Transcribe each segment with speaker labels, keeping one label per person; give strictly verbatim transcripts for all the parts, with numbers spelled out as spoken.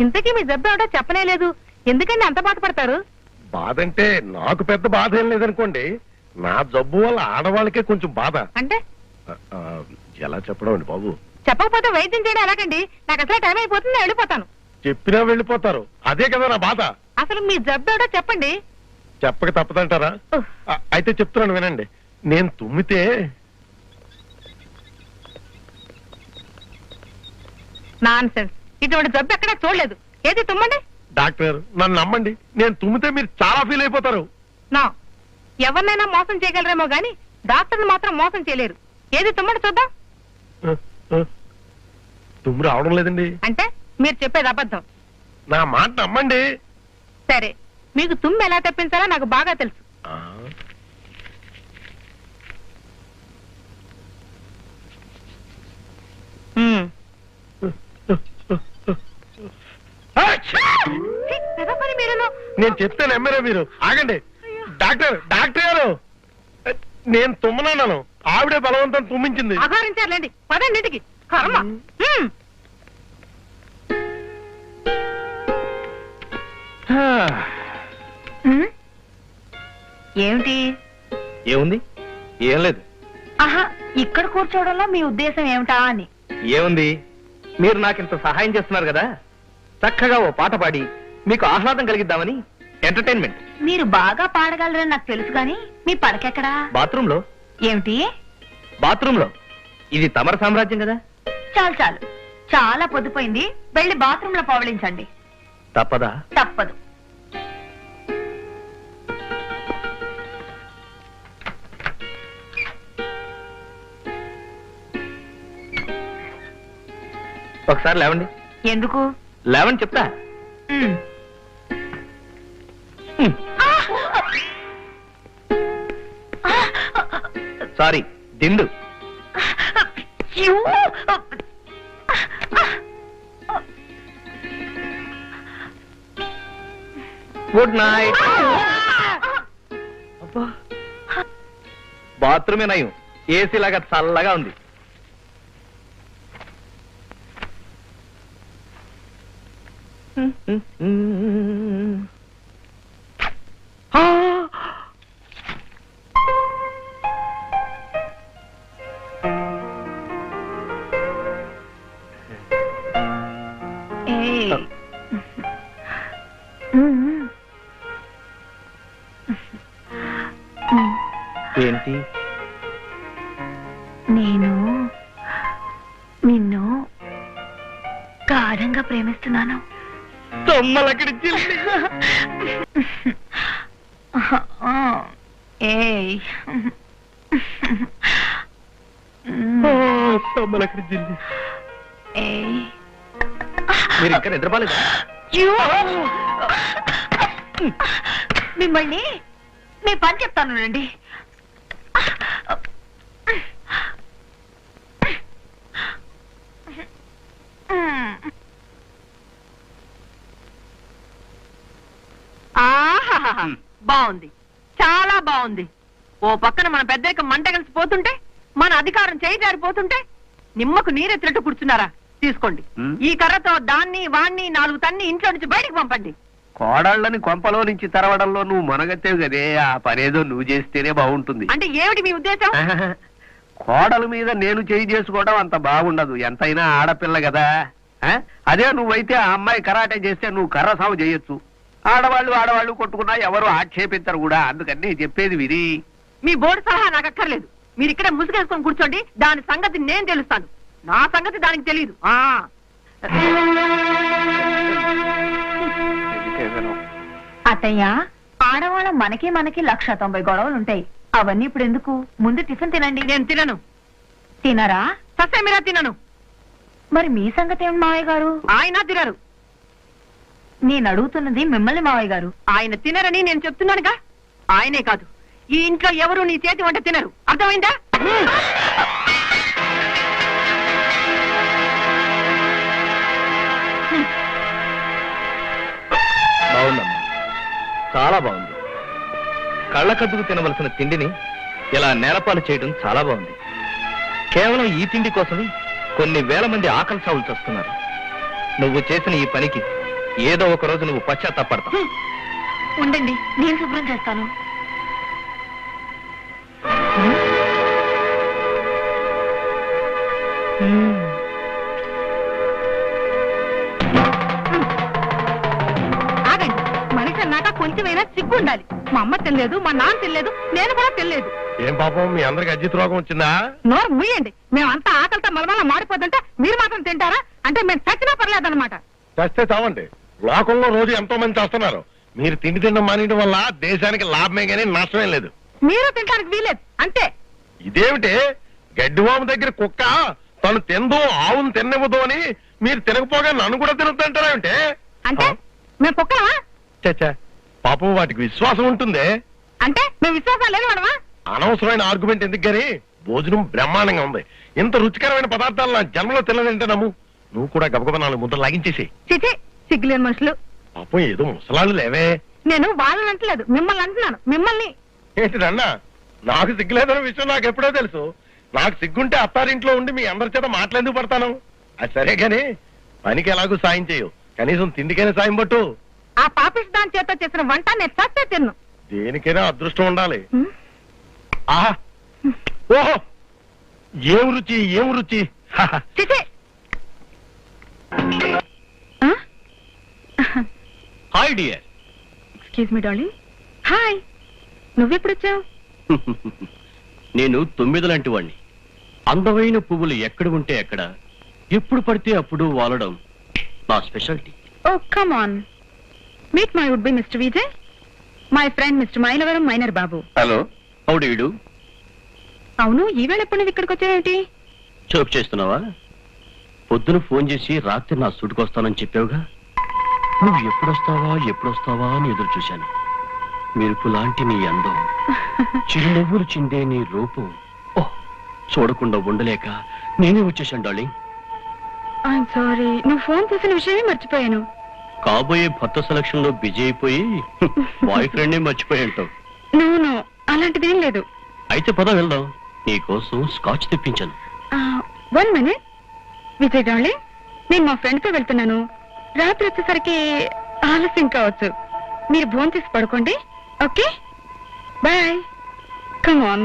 Speaker 1: ఇంతకీ మీ జబ్బు ఏమిటో చెప్పనే లేదు. ఎందుకండి అంత బాధపడతారు?
Speaker 2: బాధ అంటే నాకు పెద్ద బాధ ఏం లేదనుకోండి. నా జబ్బు వల్ల ఆడవాళ్ళకే కొంచెం బాధ.
Speaker 1: అంటే
Speaker 2: ఎలా చెప్పడం అండి బాబు?
Speaker 1: చెప్పకపోతే వైద్యం చేయడం ఎలాగండి? నాకు అసలు టైం అయిపోతుంది, నేను వెళ్ళిపోతాను.
Speaker 2: చెప్పినా వెళ్ళిపోతారు, అదే కదా నా బాధ.
Speaker 1: అసలు మీ జబ్బు ఏమిటో చెప్పండి.
Speaker 2: చెప్పక తప్పదంటారా? అయితే చెప్తున్నాను వినండి. నేను తుమ్మితే
Speaker 1: నాన్ సెన్స్, ఇటువంటి జబ్బు ఎక్కడా చూడలేదు. ఏది తుమ్మండి.
Speaker 2: డాక్టర్ నన్ను నమ్మండి, నేను తుమ్మితే మీరు చాలా ఫీల్ అయిపోతారు.
Speaker 1: నా ఎవరినైనా మోసం చేయగలరేమో గాని డాక్టర్ని మాత్రం మోసం చేయలేరు. ఏది తుమ్మండి చూద్దాం.
Speaker 2: తుమ్ము రావడం లేదండి.
Speaker 1: అంటే మీరు చెప్పేది అబద్ధం.
Speaker 2: నా మాట నమ్మండి.
Speaker 1: సరే, మీకు తుమ్ము ఎలా తెప్పించాలో నాకు బాగా తెలుసు.
Speaker 2: నేను చెప్తే నమ్మరే మీరు. ఆగండి డాక్టర్, డాక్టర్ గారు నేను తుమ్మనన్నాను, ఆవిడే బలవంతం తుమ్మించింది.
Speaker 1: అఘోరించారులేండి, పదండి ఇంటికి. కర్మ. ఏమిటి?
Speaker 3: ఏముంది? ఏం లేదు.
Speaker 1: ఆహా, ఇక్కడ కూర్చోవడంలో మీ ఉద్దేశం ఏమిటా అని.
Speaker 3: ఏముంది, మీరు నాకింత సహాయం చేస్తున్నారు కదా, చక్కగా ఓ పాట పాడి మీకు ఆహ్లాదం కలిగిద్దామని. ఎంటర్టైన్మెంట్.
Speaker 1: మీరు బాగా పాడగలరని నాకు తెలుసు గాని మీ పడకెక్కడా?
Speaker 3: బాత్రూమ్ లో.
Speaker 1: ఏమిటి?
Speaker 3: బాత్రూమ్ లో. ఇది తమర సామ్రాజ్యం కదా.
Speaker 1: చాలు చాలు, చాలా పొద్దుపోయింది, వెళ్ళి బాత్రూమ్ లో పవళించండి.
Speaker 3: తప్పదా?
Speaker 1: తప్పదు.
Speaker 3: ఒకసారి లేవండి.
Speaker 1: ఎందుకు
Speaker 3: లేవని చెప్తా. సారీ, దిండు. Good night. బాత్రూమే నయం, ఏసీ లాగా చల్లగా ఉంది. ఏంటి?
Speaker 1: నేను నిన్ను గాఢంగా ప్రేమిస్తున్నాను.
Speaker 3: మీరు ఇంకా నిద్రపోలేదా?
Speaker 1: మిమ్మల్ని మీ పని చెప్తాను రండి. బాగుంది, చాలా బాగుంది. ఓ పక్కన మన పెద్దయ్యకు మంట కలిసి పోతుంటే, మన అధికారం చేయి జారిపోతుంటే నిమ్మకు నీరెత్తినట్టు కూర్చున్నారా? తీసుకోండి, ఈ కర్రతో దాన్ని వాణ్ణి నాలుగు తన్ని ఇంట్లో నుంచి బయటికి పంపండి.
Speaker 3: కోడళ్ళని కొంపలో నుంచి తరవడంలో నువ్వు మనగత్తేవు కదే, ఆ పనేదో నువ్వు చేస్తేనే బాగుంటుంది.
Speaker 1: అంటే ఏమిటి మీ ఉద్దేశం?
Speaker 3: కోడల మీద నేను చేయి చేసుకోవడం అంత బాగుండదు, ఎంతైనా ఆడపిల్ల కదా. అదే నువ్వైతే ఆ అమ్మాయి కరాటే చేస్తే నువ్వు కర్ర సాగు చేయొచ్చు. ఆడవాళ్ళు ఆడవాళ్ళు కొట్టుకున్నా ఎవరు ఆక్షేపించరు కూడా. అందుకని చెప్పేది విని.
Speaker 1: మీ బోర్డు సలహా నాకు అక్కర్లేదు. మీరు ఇక్కడే ముసుగేసుకొని కూర్చోండి, దాని సంగతి నేను తెలుస్తాను. నా సంగతి దానికి తెలియదు. అత్తయ్య, ఆడవాళ్ళ మనకి మనకి లక్ష తొంభై గొడవలు ఉంటాయి. అవన్నీ ఇప్పుడు ఎందుకు? ముందు టిఫిన్ తినండి. నేను తినను. తినరా? ససే మీరా తినను. మరి మీ సంగతి ఏమి మావయ్య గారు? ఆయన తినరు. నేను అడుగుతున్నది మిమ్మల్ని మావయ్య గారు. ఆయన తినరని నేను చెప్తున్నానుగా. ఆయనే కాదు, ఈ ఇంట్లో ఎవరు నీ చేతి వంట తినరు. అర్థమైందా?
Speaker 3: బాగుందమ్మా, చాలా బాగుంది. కళ్ళకద్దుకు తినవలసిన తిండిని ఇలా నేలపాలు చేయడం చాలా బాగుంది. కేవలం ఈ తిండి కోసమే కొన్ని వేల మంది ఆకలి సాగులు చేస్తున్నారు. నువ్వు చేసిన ఈ పనికి ఏదో ఒక రోజు నువ్వు పశ్చాత్తాపడతావు.
Speaker 1: ఉండండి, నేను శుభ్రం చేస్తాను. ఆగండి, మనిషి అన్నాక కొంచెమైనా సిగ్గు ఉండాలి. మా అమ్మ తెలియదు, మా నాన్న తెలియదు, నేను కూడా తెలియదు.
Speaker 2: ఏం పాపం మీ అందరికి అజిత్ రోగం వచ్చిందా?
Speaker 1: నోరు ముయ్యండి. మేమంతా ఆకలితో మలమల మాడిపోతుంటే మీరు మాత్రం తింటారా? అంటే మేము చచ్చినా పర్లేదన్నమాట.
Speaker 2: చస్తే చావండి. లోకంలో రోజు ఎంతో మంది చేస్తున్నారు. మీరు తిండి తినడం మానేయడం వల్ల దేశానికి లాభమే కానీ నష్టమే లేదు.
Speaker 1: మీరు తినడానికి వీలేదు అంతే.
Speaker 2: ఇదేమిటి గడ్డివాము దగ్గర కుక్క తను తిందో ఆవును తిన్నవ్వదు అని మీరు తినకపోగా నన్ను కూడా తినొద్దంటారేమిటే?
Speaker 1: అంటే మేము కుక్కలమా?
Speaker 2: చచ్చా, పాపం వాటికి విశ్వాసం ఉంటుంది.
Speaker 1: అంటే మేము విశ్వాసాలు లేదు మనమా?
Speaker 2: అనవసరమైన ఆర్గ్యుమెంట్ ఎందుకు గాని భోజనం బ్రహ్మాండంగా ఉంది. ఇంత రుచికరమైన పదార్థాలు నా జన్మలో తినదంటే నమ్ము. నువ్వు కూడా గబగబ నాలుగు ముద్దలు లాగించేసి.
Speaker 1: చిచి, సిగ్గులేని మనుషులు.
Speaker 2: పాపం ఏదో ముసలాళ్ళు లేవే.
Speaker 1: నేను వాళ్ళని అంటలేదు, మిమ్మల్ని అంటున్నాను. మిమ్మల్ని
Speaker 2: ఏంటిదన్నా? నాకు సిగ్గులేదన్న విషయం నాకు ఎప్పుడో తెలుసు. నాకు సిగ్గుంటే అత్తారింట్లో ఉండి మీ అందరి చేత మాట్లాడేందుకు పడతాను. అది సరే గాని పనికి ఎలాగూ సాయం చేయవు, కనీసం తిండికైనా సాయం పట్టు.
Speaker 1: ఆ పాపిస్ దాని చేత చేసిన వంట నేను చస్తే తిన్ను.
Speaker 2: దేనికైనా అదృష్టం ఉండాలి. ఆహా, ఓహో, ఏం రుచి ఏం రుచి.
Speaker 1: చిచి.
Speaker 3: Hi dear.
Speaker 1: Excuse me darling. Hi, నువ్వెప్పుడు వచ్చావు?
Speaker 3: నేను తొమ్మిది లాంటి వాణ్ణి. అందమైన పువ్వులు ఎక్కడ ఉంటే ఎక్కడ, ఎప్పుడు పడితే అప్పుడు వాలడం నా speciality.
Speaker 1: Oh come on, meet my would be mister Vijay, my friend mister Mylavaram minor Babu.
Speaker 3: Hello, how do you do?
Speaker 1: అవును, ఈవేళ ఎప్పుడు నువ్వు ఇక్కడికి వచ్చావేంటి?
Speaker 3: జోక్ చేస్తున్నావా? పొద్దున ఫోన్ చేసి రాత్రి నా సూటుకొస్తానని చెప్పావుగా. నువ్వు ఎప్పుడొస్తావా ఎప్పుడొస్తావా అని ఎదురు చూశాను. మెరుపు లాంటి నీ అందం, చిరునవ్వులు చిందే నీ రూపం, ఓ చూడకుండా ఉండలేక నేనే వచ్చేసాను డార్లింగ్.
Speaker 1: ఐఎమ్ సారీ, నువ్వు ఫోన్ చేసిన విషయమే మర్చిపోయాను.
Speaker 3: కాబోయే భర్త సెలక్షన్ లో బిజీ అయిపోయి బాయ్ ఫ్రెండ్ మర్చిపోయి ఉంటావు.
Speaker 1: నో నో, అలాంటిదేం లేదు.
Speaker 3: అయితే పద వెళ్దాం, నీకోసం స్కాచ్ తెప్పించాను.
Speaker 1: వన్ మినిట్ విజయ్ డార్లింగ్, నేను మా ఫ్రెండ్ తో వెళ్తున్నాను. రాత్రి వచ్చేసరికి ఆలస్యం కావచ్చు. మీరు భోంచేసి చేసి పడుకోండి. Okay, bye. Come on.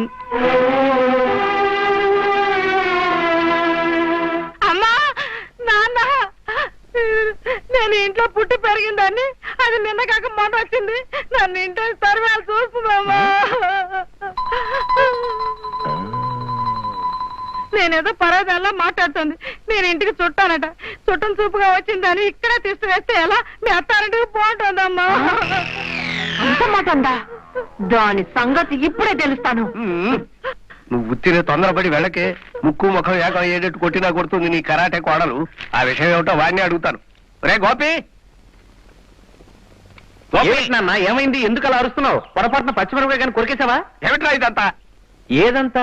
Speaker 1: అమ్మా, నాన్న, నేను ఇంట్లో పుట్టి పెరిగిందాన్ని, అది నిన్న కాక మొన్న వచ్చింది. నన్ను ఇంట్లో సర్వేలు చూస్తుందమ్మా. నేనేదో పరాదాల్లో మాట్లాడుతుంది. నేను ఇంటికి చుట్టానట. చుట్టం చూపుగా వచ్చిందని ఇక్కడే తీసుకువేస్తే ఎలా? మీ అత్తారింటికి బాగుంటుందమ్మా. అంత మాట ఉందా? దాని సంగతి ఇప్పుడే తెలుస్తాను.
Speaker 3: నువ్వు ఉత్తినే తొందరపడి వెళ్ళకే. ముక్కు ముఖం ఏక ఏడెట్టు కొట్టినా కొడుతుంది నీ కరాటే కోడలు. ఆ విషయం ఏమిటో వాడిని అడుగుతాను. రే గోపి,
Speaker 4: నాన్న ఏమైంది? ఎందుకు అలా అరుస్తున్నావు? పొరపాటున పచ్చిమిరపకాయ కానీ కొరికేసావా?
Speaker 3: ఏమిట్రా ఇదంతా?
Speaker 4: ఏదంతా?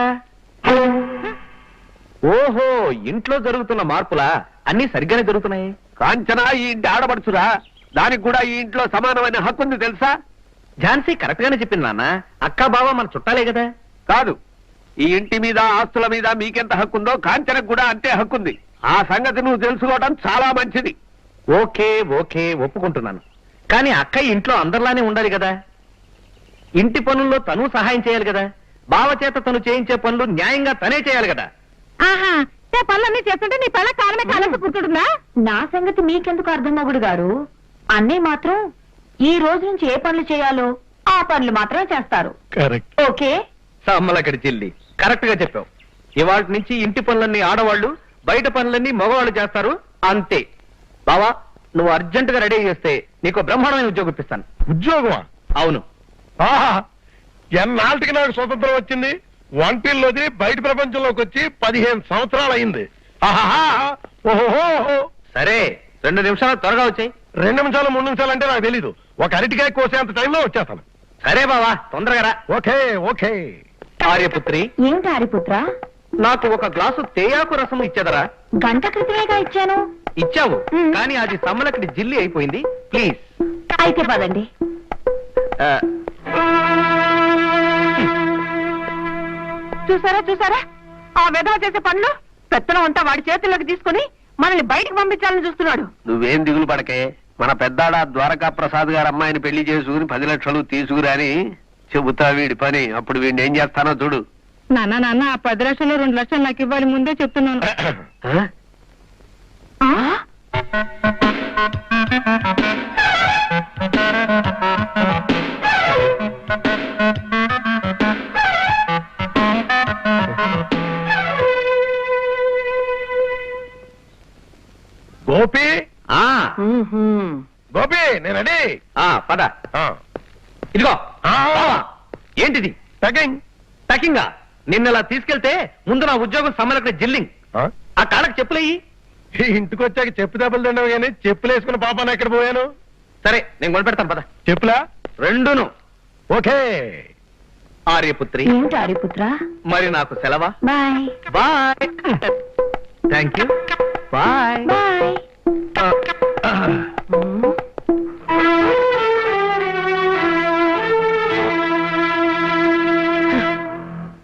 Speaker 4: ఓహో, ఇంట్లో జరుగుతున్న మార్పులా? అన్ని సరిగ్గానే జరుగుతున్నాయి.
Speaker 3: కాంచనా ఈ ఇంటి ఆడపడుచురా. దానికి కూడా ఈ ఇంట్లో సమానమైన హక్కు ఉంది తెలుసా?
Speaker 4: ఝాన్సీ కరెక్ట్ గానే చెప్పింది నాన్న. అక్క బావ మన చుట్టాలే కదా.
Speaker 3: కాదు, ఈ ఇంటి మీద ఆస్తుల మీద మీకెంత హక్కుందో కాంచనకు కూడా అంతే హక్కుంది. ఆ సంగతి నువ్వు తెలుసుకోవడం చాలా మంచిది.
Speaker 4: ఓకే ఓకే, ఒప్పుకుంటున్నాను. కానీ అక్క ఇంట్లో అందరిలానే ఉండాలి కదా. ఇంటి పనుల్లో తను సహాయం చేయాలి కదా. బావ చేత తను చేయించే పనులు న్యాయంగా తనే చేయాలి కదా.
Speaker 1: ఆహా, పనులన్నీ చేస్తుంటే నీ పిల్ల కాలమే కాలేసి కూర్చుంటుందా? నా సంగతి మీకెందుకు అర్థం మొగుడు గారు. అన్నీ మాత్రం ఈ రోజు నుంచి ఏ పనులు చేయాలో ఆ పనులు మాత్రమే చేస్తారు.
Speaker 2: కరెక్ట్.
Speaker 1: ఓకే,
Speaker 4: సమ్మలక్కడి చెల్లి, కరెక్ట్ గా చెప్పావు. ఇవాటి నుంచి ఇంటి పనులన్నీ ఆడవాళ్లు, బయట పనులన్నీ మగవాళ్ళు చేస్తారు, అంతే. బావా, నువ్వు అర్జెంట్ గా రెడీ చేస్తే నీకు బ్రహ్మాండమైన ఉద్యోగం ఇప్పిస్తాను.
Speaker 2: ఉద్యోగమా?
Speaker 4: అవును.
Speaker 2: ఆహా, ఎన్నాళ్ళకి నాకు స్వతంత్రం వచ్చింది. వంటిల్లోది బయట ప్రపంచంలోకి వచ్చి పదిహేను సంవత్సరాలు అయింది. ఓహో,
Speaker 4: సరే, రెండు నిమిషాలు త్వరగా వచ్చాయి.
Speaker 2: రెండు నిమిషాలు మూడు నిమిషాలు అంటే నాకు తెలీదు. ఒక అరటికాయ కోసేంత టైంలో వచ్చేస్తాను.
Speaker 4: సరే బావా, తొందరగా రా.
Speaker 2: Okay okay.
Speaker 4: ఆర్యపుత్రి,
Speaker 1: ఏంటి హరిపుత్ర?
Speaker 4: నాకు ఒక గ్లాసు తేయాకు రసం ఇచ్చేదరా?
Speaker 1: గంట క్రితమేగా ఇచ్చాను.
Speaker 4: ఇచ్చావు,
Speaker 1: మ్.
Speaker 4: కానీ అది సమ్మలక్కడి జిల్లి అయిపోయింది. ప్లీజ్.
Speaker 1: అయితే పదండి.
Speaker 4: ఆ,
Speaker 1: చూసారా చూసారా ఆ విధవ చేసే పనులు. పెత్తనం అంతా వాడి చేతుల్లోకి తీసుకుని మనల్ని బయటకు పంపించాలని చూస్తున్నాడు.
Speaker 3: నువ్వేం దిగులు పడకే. మన పెద్దాడ ద్వారకా ప్రసాద్ గారు అమ్మాయిని పెళ్లి చేసుకుని పది లక్షలు తీసుకురాని చెబుతా వీడి పని. అప్పుడు వీడిని ఏం చేస్తానో చూడు.
Speaker 5: నాన్న నాన్న ఆ పది లక్షలు రెండు లక్షలు నాకు ఇవ్వాలి, ముందే చెప్తున్నాను.
Speaker 3: ఆ?
Speaker 2: గోపి
Speaker 4: ఆ,
Speaker 2: గోపి నేను అడి
Speaker 4: ఆ, పద ఇదిగో. బావా, ఏంటిది
Speaker 2: సెకండ్
Speaker 4: టకింగా? నిన్నలా తీసుకెళ్తే ముందు నా ఉద్యోగం సమ్మలక్కడ జిల్లింగ్. ఆ కాళ్ళకి చెప్పులయ్యి.
Speaker 2: ఇంటికి వచ్చాక చెప్పు దెబ్బలు తిండవు కానీ చెప్పులు వేసుకుని పాపాను ఎక్కడ పోయాను.
Speaker 4: సరే నేను కొనిపెడతాను పద.
Speaker 2: చెప్పులా
Speaker 4: రెండును.
Speaker 2: ఓకే.
Speaker 4: ఆర్యపుత్రి,
Speaker 1: ఏమిటి ఆర్యపుత్ర?
Speaker 4: మరి నాకు సెలవా?
Speaker 1: Bye
Speaker 4: bye. Thank you. Bye.
Speaker 1: Bye.
Speaker 4: ఆ, ఆ.